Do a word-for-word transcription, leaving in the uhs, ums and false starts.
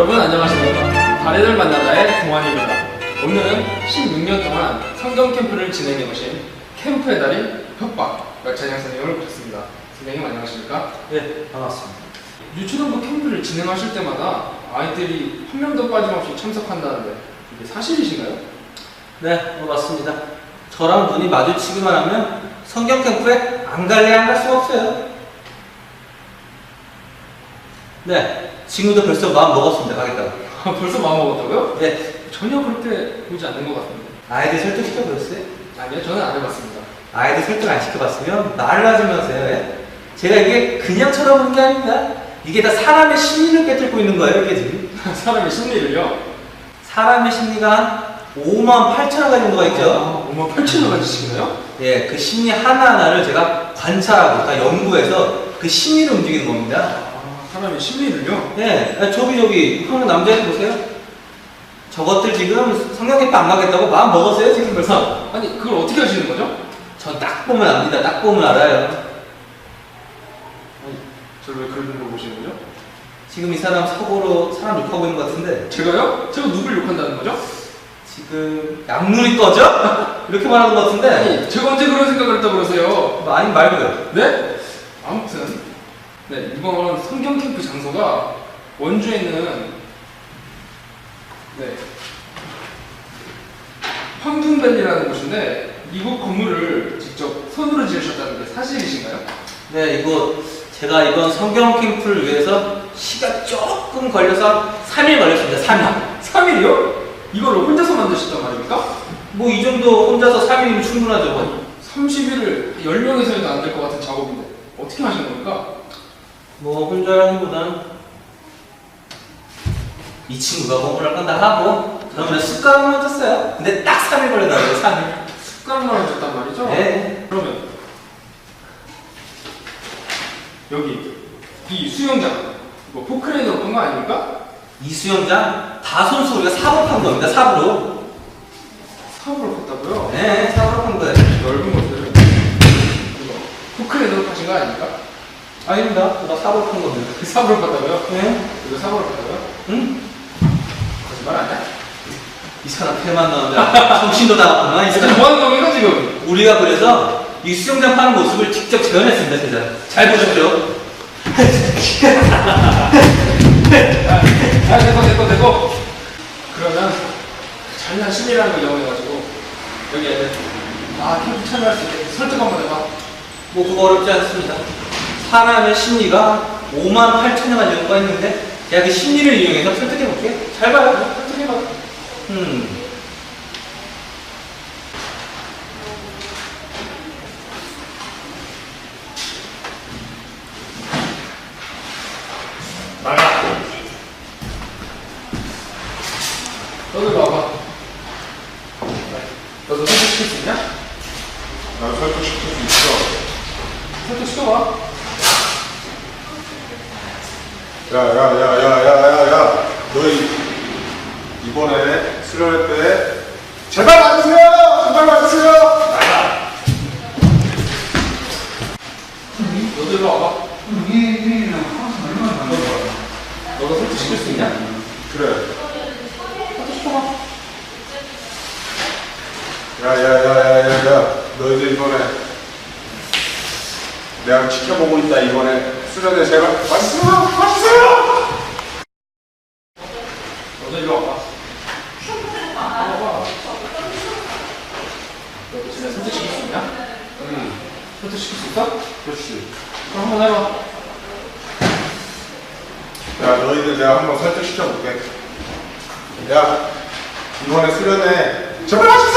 여러분 안녕하십니까. 달인을 만나다의 동환입니다. 오늘은 십육 년 동안 성경 캠프를 진행해 오신 캠프의 달인 협박 박찬영 선생님을 모셨습니다. 선생님 안녕하십니까? 네, 반갑습니다. 유초등부 캠프를 진행하실 때마다 아이들이 한 명도 빠짐없이 참석한다는데 이게 사실이신가요? 네, 어, 맞습니다. 저랑 눈이 마주치기만 하면 성경 캠프에 안 갈래 안 갈 수가 없어요. 네, 지금도 벌써 마음 먹었습니다. 가겠다고. 아, 벌써 마음먹었다고요? 네, 전혀 그렇게 보지 않는 것 같은데. 아이들 설득시켜보셨어요? 아니요, 저는 안 해봤습니다. 아이들 설득 안 시켜봤으면 말을 하시면서요. 예? 제가 이게 그냥 쳐다보는 게 아닙니다. 이게 다 사람의 심리를 깨뜨리고 있는 거예요, 이게 지금. 사람의 심리를요? 사람의 심리가 한 오만 팔천여 가지 정도가 있죠. 아, 오만 팔천여 가지씩이나요? 예, 그 심리 하나하나를 제가 관찰하고 다 연구해서 그 심리를 움직이는 겁니다. 아, 사람의 심리를요? 예, 아, 저기 저기 형님 남자애들 보세요. 저것들 지금 성경 캠프 안 가겠다고 마음 먹었어요 지금 벌써. 아니, 그걸 어떻게 하시는 거죠? 전 딱 보면 압니다. 딱 보면 알아요. 아니, 저를 왜 그런 걸 보시는 거죠? 지금 이 사람 사고로 사람 욕하고 있는 것 같은데 제가요? 제가 누굴 욕한다는 거죠? 지금 양눈이 꺼져? 이렇게 말하는 것 같은데. 아니, 제가 언제 그런 생각을 했다고 그러세요? 뭐 아니 말고요. 네? 아무튼 네, 이번 성경 캠프 장소가 원주에 있는 네 황금밸리라는 곳인데 이곳 건물을 직접 손으로 지으셨다는 게 사실이신가요? 네, 이거 제가 이번 성경 캠프를 위해서 시간 조금 걸려서 삼 일 걸렸습니다. 삼 일. 삼 일이요? 이거를 혼자서 만드셨단 말입니까? 뭐 이 정도 혼자서 삼 일이면 충분하죠. 삼십 일을 열 명에서 해도 안 될 것 같은 작업인데 어떻게 하시는 겁니까? 뭐 혼자라기보다는 이 친구가 공부를 한다 하고 저는 그냥 습관을 줬어요. 근데 딱 삼 일 걸려가지고 삼 일. 습관만 하셨단 말이죠? 네. 그러면 여기 이 수영장 이거 포크레인으로 끈 거 아닙니까? 이 수영장 다 손수 우리가 삽으로 판 겁니다. 삽으로. 삽으로 팠다고요? 네, 삽으로 판 거예요. 넓은 것을 이거 포크레인으로 파신 거 아닙니까? 아닙니다. 제가 삽으로 판 겁니다. 그 삽으로 팠다고요? 네? 이거 삽으로 팠다고요? 응? 거짓말 아니야? 이 사람 패만 나오는데 정신도 나갔구나. 이 지금 사람. 뭐 하는 겁니까 지금? 우리가 그래서 이 수영장 파는 모습을 직접 재현했습니다. 제가. 잘 보셨죠? 아 됐고 됐고 됐고 그러면 잔인한 심리라는 걸 이용해가지고 여기 애들 아 캠프 참여할 수 있게 설득 한번 해봐. 뭐 그거 어렵지 않습니다. 사람의 심리가 오만 팔천여 가지 정도가 있는데 제가 그 심리를 이용해서 설득해 볼게요. 잘 봐요. 설득해봐. 음. 나가. 너도 봐봐. 너도 설득시킬 수 있냐? 나 설득시킬 수 있어. 설득시켜봐. 야, 야, 야, 야, 야, 야, 야. 너희 이번에 수련회 때 제발 맞으세요! 제발 맞으세요! 나가. 너도 일로 와봐. 너도 설득시킬 수 있냐? 그래. 설득시켜봐. 야, 야, 야, 야, 야, 야. 너희들 이번에 내가 지켜보고 있다. 이번에 수련회 제발 맞으세요! 맞으세요! 너도 일로 와봐. 와봐. 너도 진짜 설득시킬 수 있냐? 응. 설득시킬 수 있어? 그렇지. 그럼 한번 해봐. 야, 너희들 내가 한번 설득시켜볼게. 야, 이번에 수련회 제발 맞으세요!